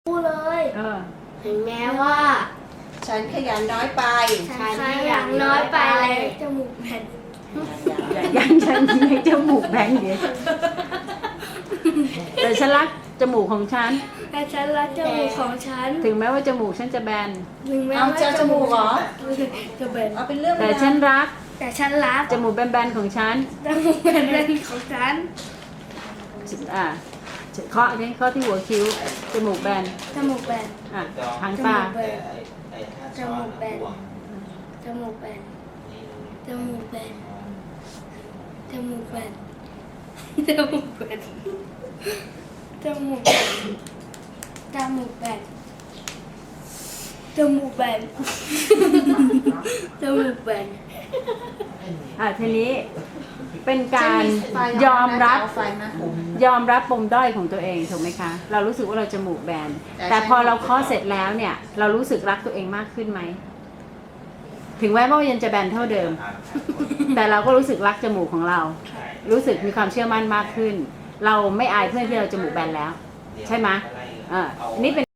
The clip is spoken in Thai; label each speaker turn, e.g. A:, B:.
A: พูดเลยถึงแม้ว่า
B: ฉันขยันน้อยไป
A: ฉันขยันน้อยไปเลยจมูกแผ่น
C: ยังฉันให้จมูกแบงเดียวแต่ฉันรักจมูกของฉัน
A: แต่ฉันรักจมูกของฉัน
C: ถึงแม้ว่าจมูกฉันจะแบน
A: ถึงแม้
B: เอา
A: ว่า
B: เจอจมูกเหรอ
A: จะเป็น
B: เอาเป็นเรื่อง
C: แต่ฉันรัก
A: แต่ฉันรัก
C: จมูกแบนๆของฉัน
A: จมูกแผ่นของฉัน
C: ข้อที่หัวคิ้วจมูกแบน
A: จมูกแบน
C: หาง
A: จ
C: ตา
A: มูกแบนจมูกแบนจมูกแบนจมูกแบนจมูกแบนจมูกแบนจมูกแบนจมูกแบนจมูกแบนจมูกแบน
C: ทีนี้เป็นการยอมรับปมด้อยของตัวเองถูกไหมคะเรารู้สึกว่าเราจมูกแบนแต่พอเราเคาะเสร็จแล้วเนี่ยเรารู้สึกรักตัวเองมากขึ้นไหมถึงแม้ว่ายังจะแบนเท่าเดิมแต่เราก็รู้สึกรักจมูกของเรารู้สึกมีความเชื่อมั่นมากขึ้นเราไม่อายเพื่อนที่เราจมูกแบนแล้วใช่ไหมนี่เป็น